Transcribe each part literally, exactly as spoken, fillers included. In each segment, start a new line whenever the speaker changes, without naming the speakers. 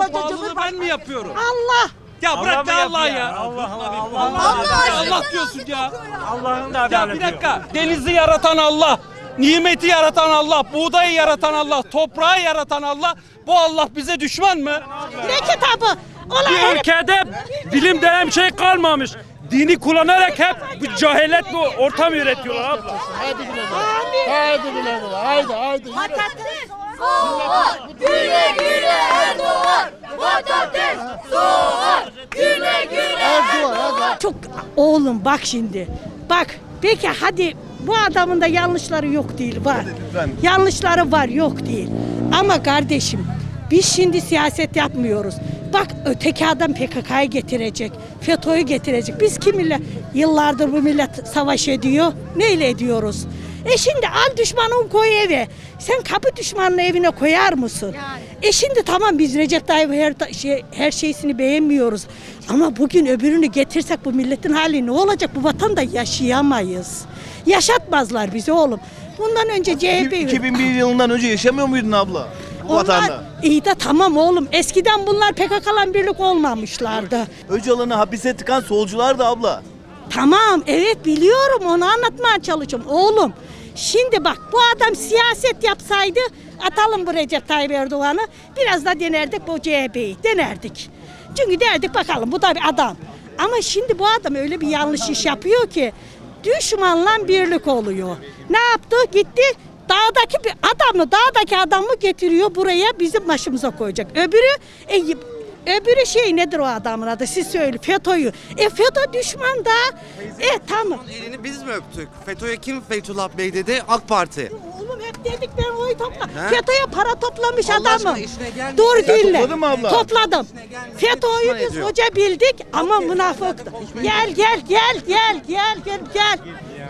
pahalılığı ben mi yapıyorum?
Allah.
Ya bırak da Allah ya.
Allah Allah
Allah, Allah diyorsun ya.
Allah'ın da
Ya
adaleti.
bir dakika. Denizi yaratan Allah, nimeti yaratan Allah, buğdayı yaratan Allah, toprağı yaratan Allah. Bu Allah bize düşman mı?
Ne kitabı? Ulan
Bir
herif-
ülkede bilim denen bir şey kalmamış. Dini kullanarak hep bu cehalet bu ortam üretiyorlar abla.
Haydi güle güle. Haydi güle güle. Haydi haydi.
Patates, soğan, güle güle Erdoğan. Patates, soğan, güle güle Erdoğan.
Çok oğlum bak şimdi. Bak peki hadi bu adamın da yanlışları yok değil var. Yanlışları var yok değil. Ama kardeşim biz şimdi siyaset yapmıyoruz. Bak öteki adam P K K'yı getirecek. FETÖ'yü getirecek. Biz kiminle yıllardır bu millet savaş ediyor. Neyle ediyoruz? E şimdi al düşmanın koy eve. Sen kapı düşmanının evine koyar mısın? E şimdi tamam biz Recep Tayyip her, şey, her şeysini beğenmiyoruz. Ama bugün öbürünü getirsek bu milletin hali ne olacak? Bu vatanda yaşayamayız. Yaşatmazlar bizi oğlum. Bundan önce C H P...
iki bin bir yılından önce yaşamıyor muydun abla? Bu
Onlar
vatanda.
iyi de tamam oğlum. Eskiden bunlar P K K'lan birlik olmamışlardı.
Öcalan'ı hapise tıkan solcular da abla.
Tamam evet biliyorum onu anlatmaya çalışıyorum. Oğlum şimdi bak bu adam siyaset yapsaydı atalım bu Recep Tayyip Erdoğan'ı. Biraz da denerdik bu C H P'yi denerdik. Çünkü derdik bakalım bu da bir adam. Ama şimdi bu adam öyle bir yanlış iş yapıyor ki düşmanla birlik oluyor. Ne yaptı? Gitti dağdaki bir adamı, dağdaki adamı getiriyor buraya bizim başımıza koyacak. Öbürü e, öbürü şey nedir o adamın adı? Siz söyleyin. FETÖ'yü. E FETÖ düşman da. E tamam.
Elini biz mi öptük? FETÖ'ye kim Fethullah Bey dedi? AK Parti.
Oğlum hep dedik ben oy topla.
He?
FETÖ'ye para toplamış
Allah
adamı.
aşkına işine gelmiyor.
Dur
Sen
dinle.
topladın mı abla?
Topladım. FETÖ'yü
düşman
biz
ediyor.
hoca bildik ama münafıktı. Gel gel gel gel gel gel gel.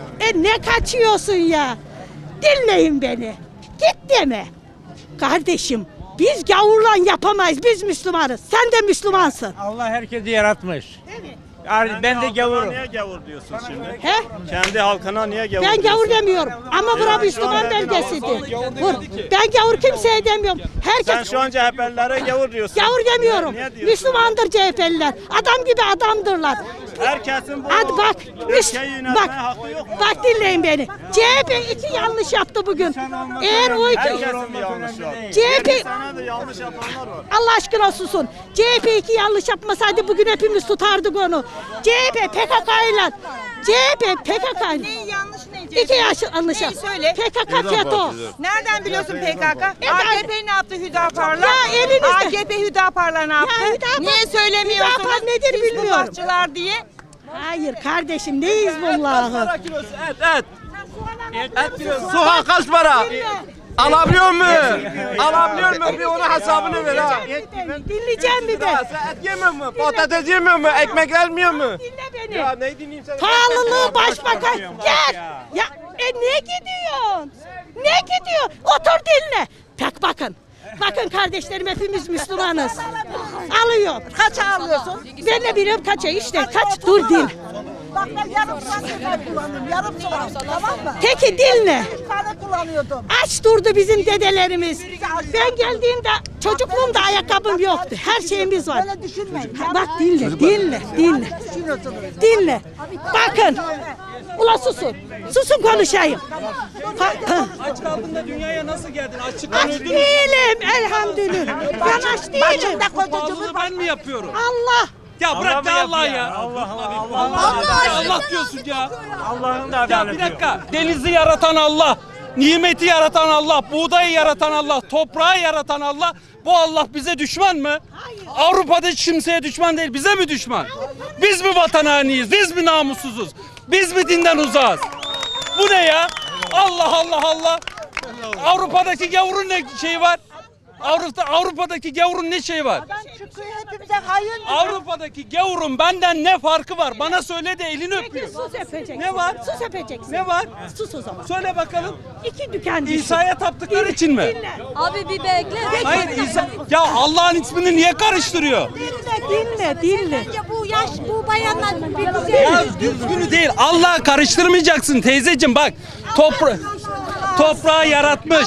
E ne kaçıyorsun ya? Dinleyin beni. Git deme. Kardeşim biz gavurla yapamayız. Biz Müslümanız. Sen de Müslümansın.
Allah herkesi yaratmış.
Evet.
Yani ben de gavurum.
Niye gavur diyorsun şimdi?
He?
Kendi halkına niye gavur
Ben
diyorsun?
gavur demiyorum ama bura Müslüman belgesidir. Vur. Ben gavur kimseye demiyorum.
Sen
Herkes
şu an C H P'lilere gavur diyorsun.
gavur demiyorum.
Niye diyorsun?
Müslümandır C H P'liler. Adam gibi adamdırlar.
Herkesin bu
Hadi bak. Müs
ülkeyi yönetmeye
bak.
hakkı yok mu?
Bak dinleyin beni. C H P iki yanlış yaptı bugün. Eğer o iki
Herkesin bir yanlışı var.
C H P
yirmi senede yanlış yapanlar var.
Allah aşkına susun. C H P iki yanlış yapmasaydı bugün hepimiz tutardık onu. C H P P K K'yla C H P P K K
Neyi yanlış ne?
iki yaş yanlış
Neyi söyle?
P K K FETÖ.
Nereden biliyorsun P K K?
E,
A K P ne yaptı Hüdapar'la?
Ya elinizde.
A K P Hüdapar'la ne yaptı?
Hüdapar-
Niye söylemiyorsunuz?
Hüdapar nedir bilmiyorum.
Hizbullahçılar diye.
Hayır kardeşim ne Hizbullah'ı?
Et, et. Et soğan kaç para? Alabiliyor mu? Alabiliyor mu? Bir ona hesabını ver ha.
Dinleyeceğim bir de.
Sen et yemiyor mu? Patates yemiyor mu? Ekmek gelmiyor mu?
Dinle beni.
Ya ne dinleyeyim seni?
Pahalılığı başbakan. Gel. Ya e ne gidiyorsun? Ne gidiyor? Otur dinle. Bak bakın. Bakın kardeşlerim hepimiz Müslümanız. Alıyor.
Kaça alıyorsun?
Ben de biliyorum kaça işte. Kaç dur din.
Bak ben yarım saat kullanıyorum. Yarım saat. Tamam mı?
Peki dinle.
Bir tane kullanıyordum.
Aç durdu bizim dedelerimiz. Ben geldiğimde çocukluğumda ayakkabım yoktu. Her şeyimiz var.
Böyle düşünmeyin.
Ha, bak dinle, dinle, dinle.
Düşünüyorsunuz.
Dinle. Bakın. Ula susun. Susun konuşayım. Ha, ha.
Aç kaldın da dünyaya nasıl geldin? Açlıktan
Aç
öldün mü?
değilim elhamdülillah. Ben aç değilim.
Başımda
Bu
koca
pahalılığı ben mi yapıyorum?
Allah.
Ya bırak da Allah ya.
Allah Allah
Allah, ya Allah diyorsun ya.
Allah'ın da
Ya
adaleti.
bir dakika. Denizi yaratan Allah, nimeti yaratan Allah, buğdayı yaratan Allah, toprağı yaratan Allah. Bu Allah bize düşman mı?
Hayır.
Avrupa'da hiç kimseye düşman değil. Bize mi düşman? Biz mi vatan hainiyiz? Biz mi namussuzuz? Biz mi dinden uzağız? Bu ne ya? Allah Allah Allah. Avrupa'daki gavurun ne şeyi var? Avrupa, Avrupa'daki gavurun ne şeyi var?
Çıkıyor hepimize hayır.
Avrupa'daki gavurun benden ne farkı var? Bana söyle de elini öpüyor.
Sus öpeceksin.
Ne var?
Sus öpeceksin.
Ne var?
Sus o zaman.
Söyle bakalım.
İki dükkan düşün.
İsa'ya taptıkları için mi?
Dinle.
Abi bir bekle.
Hayır İsa. Ya Allah'ın ismini niye karıştırıyor?
Dinle, dinle, dinle.
Bence bu yaş bu bayanlar bir güzel.
Ya düzgünü değil. Allah'ı karıştırmayacaksın teyzeciğim bak. Topra toprağı yaratmış.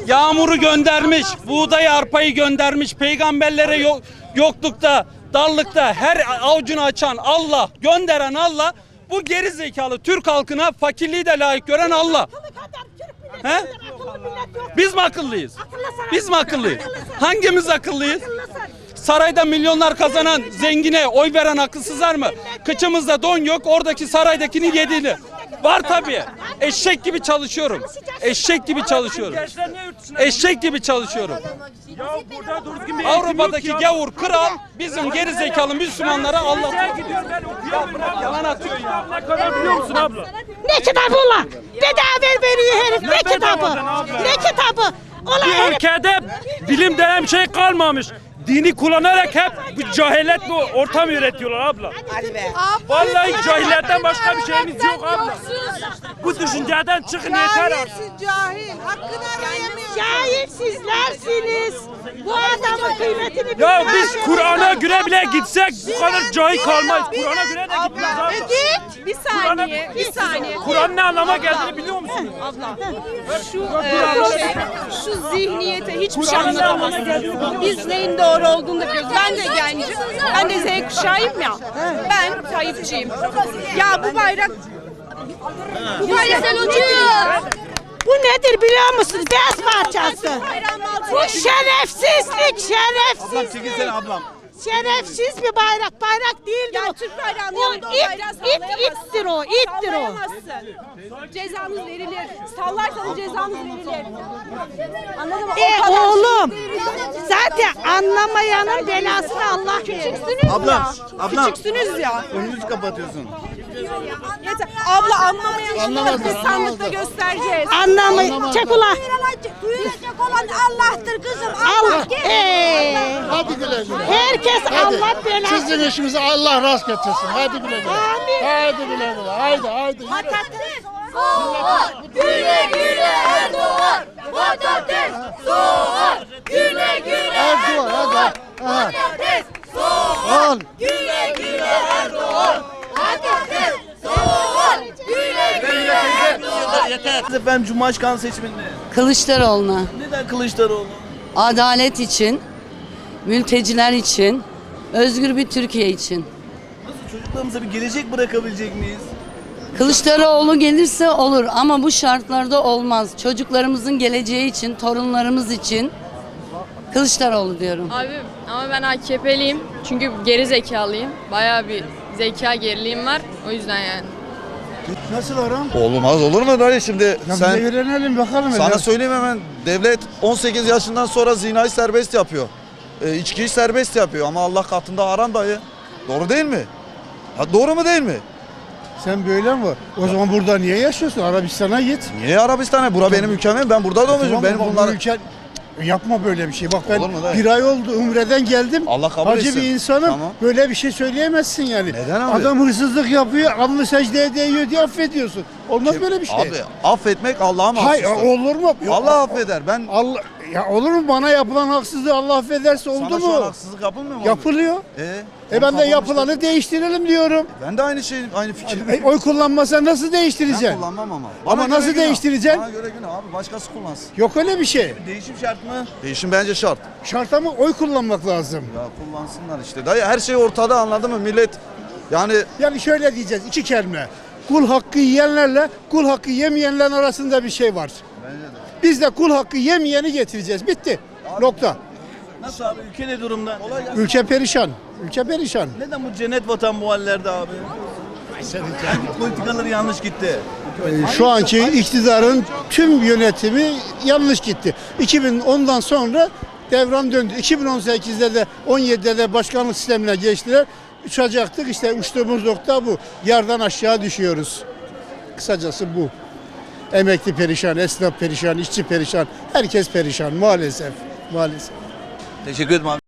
Yağmuru göndermiş, buğdayı, arpayı göndermiş, peygamberlere yok, yoklukta, darlıkta her avucunu açan Allah, gönderen Allah, bu geri zekalı Türk halkına fakirliği de layık gören Allah. He? Biz mi akıllıyız? Biz mi akıllıyız? Hangimiz akıllıyız? Sarayda milyonlar kazanan zengine oy veren akılsızlar mı? Kıçımızda don yok, oradaki saraydakini yediğini. Var tabii. Eşek gibi çalışıyorum. Eşek gibi çalışıyorum.
Gençler niye yurt dışına
Eşek gibi çalışıyorum.
Ya burada doğru düzgün bir eğitim
Avrupa'daki
yok ya.
gavur kral bizim geri zekalı Müslümanlara Allah
Sen gidiyorsun ben okuyamıyorum.
yalan atıyor ya.
Ne kadar biliyor musun abla?
Ne kitabı ulan? Bedava veriyor herif. Ne kitabı?
bedavadan abla?
Ne kitabı? Ulan
Bir
herif.
ülkede bilim denen bir şey kalmamış. Dini kullanarak hep bu cehalet bu ortam üretiyorlar abla. Vallahi cahilletten başka bir şeyimiz yok abla. Bu düşünceden çıkın yeter artık.
Cahil. Hakkını arayamıyor.
Cahil sizlersiniz. Bu adamın kıymetini
Ya
bilmez.
biz Kur'an'a göre bile gitsek bu kadar cahil kalmayız. Kur'an'a göre de gitmeyiz abla.
Git. Bir saniye. Bir saniye.
Kur'an ne anlama geldiğini biliyor musunuz?
Abla şu e, şey, şu zihniyete hiçbir şey anlatamazsın. Biz neyin doğru olduğunu da biliyoruz. Ben de gencim. Ben de Z kuşağıyım ya. Ben Tayyipçiyim. Ya bu bayrak bu bayrak uçuyor.
Bu nedir biliyor musunuz? Beyaz parçası. Bu şerefsizlik,
Ablam çekilsene
şerefsizlik.
ablam.
Şerefsiz bir bayrak, bayrak değildir
Ya
o.
Türk bayrağının
O
yanında o
it,
bayrağı
it,
sallayamazsın.
ittir o, ittir o.
Sallayamazsın. Cezanız verilir. Sallarsanız cezanız verilir. Anladın mı?
E
O kadar
oğlum,
şey-
zaten anlamayanın belasını Allah verir.
Küçüksünüz
Ablam,
ya.
ablam.
Küçüksünüz ya.
Önünüzü kapatıyorsun.
Yeter. Abla anlamayan biz sandıkta göstereceğiz.
Anlamayın. Çek ulan.
Duyulacak olan Allah'tır kızım.
Allah. Ee,
Hadi güle güle.
herkes
Hadi.
Allah belasını.
Sizin işimizi Allah rast getirsin. Hadi güle güle.
Amin.
Hadi güle güle. Haydi haydi. Yürü.
Soğur, güle güle Erdoğan. Patates, soğur, güle güle
Erdoğan hadi. Aha.
Patates, soğur,
Al.
güle güle Erdoğan. Patates, soğur, güle güle Erdoğan.
Efendim Cumhurbaşkanı seçiminde.
Kılıçdaroğlu'na
Neden Kılıçdaroğlu?
adalet için, mülteciler için, özgür bir Türkiye için.
Nasıl çocuklarımıza bir gelecek bırakabilecek miyiz?
Kılıçdaroğlu gelirse olur ama bu şartlarda olmaz. Çocuklarımızın geleceği için, torunlarımız için Kılıçdaroğlu diyorum.
Abi ama ben A K P'liyim çünkü geri zekalıyım. Bayağı bir zeka geriliğim var. O yüzden yani.
Nasıl aram?
Olmaz olur mu dayı şimdi
Ya
sen
bize öğrenelim bakalım.
sana
hele.
söyleyeyim hemen devlet on sekiz yaşından sonra zinayı serbest yapıyor. E, içkiyi serbest yapıyor ama Allah katında haram dayı. Doğru değil mi? Ha, doğru mu değil mi?
Sen böyle mi var? O zaman burada niye yaşıyorsun? Arabistan'a git.
Niye Arabistan'a? Bura benim ülkem, ben burada doğmuşum.
Tamam,
Benim
bak, bu
bunlar
ülke- Yapma böyle bir şey. Bak ben
Olur mu dayı?
bir ay oldu Umre'den geldim.
Allah kabul
Hacı
etsin.
bir insanım.
Tamam.
Böyle bir şey söyleyemezsin yani.
Neden abi?
Adam hırsızlık yapıyor, alnı secdeye değiyor diye affediyorsun. Olmaz böyle bir şey.
Abi affetmek Allah'a
Hayır
mahsustur.
olur mu? Yok.
Allah affeder. Ben
Allah ya olur mu bana yapılan haksızlığı Allah affederse oldu
sana şu an
mu?
haksızlık yapılmıyor mu? abi?
Yapılıyor.
E,
E ben de
tamam işte.
yapılanı değiştirelim diyorum.
Ben de aynı şey, aynı fikir.
E, oy kullanmasa nasıl
Ben
değiştireceksin?
kullanmam ama.
Ama
Bana göre
nasıl
günah.
değiştireceksin?
Bana göre günah abi, başkası kullansın.
Yok öyle bir şey.
Değişim şart mı?
Değişim bence şart.
Şart ama oy kullanmak lazım.
Ya kullansınlar işte. Dayı her şey ortada, anladın mı millet? Yani
Yani şöyle diyeceğiz iki kelime. Kul hakkı yiyenlerle kul hakkı yemeyenlerin arasında bir şey var. Biz de kul hakkı yemeyeni getireceğiz. Bitti. Nokta.
Nasıl abi? Ülke ne durumda?
Ülke perişan. Ülke perişan.
Neden bu cennet vatan bu hallerde abi? Hangi politikaları yanlış gitti?
Ee, Şu anki iktidarın tüm yönetimi yanlış gitti. iki bin ondan sonra devran döndü. iki bin on sekizde de on yedide de başkanlık sistemine geçtiler. Uçacaktık işte uçtuğumuz nokta bu. Yardan aşağı düşüyoruz. Kısacası bu. Emekli perişan, esnaf perişan, işçi perişan, herkes perişan maalesef. Maalesef.
Teşekkür ederim abi.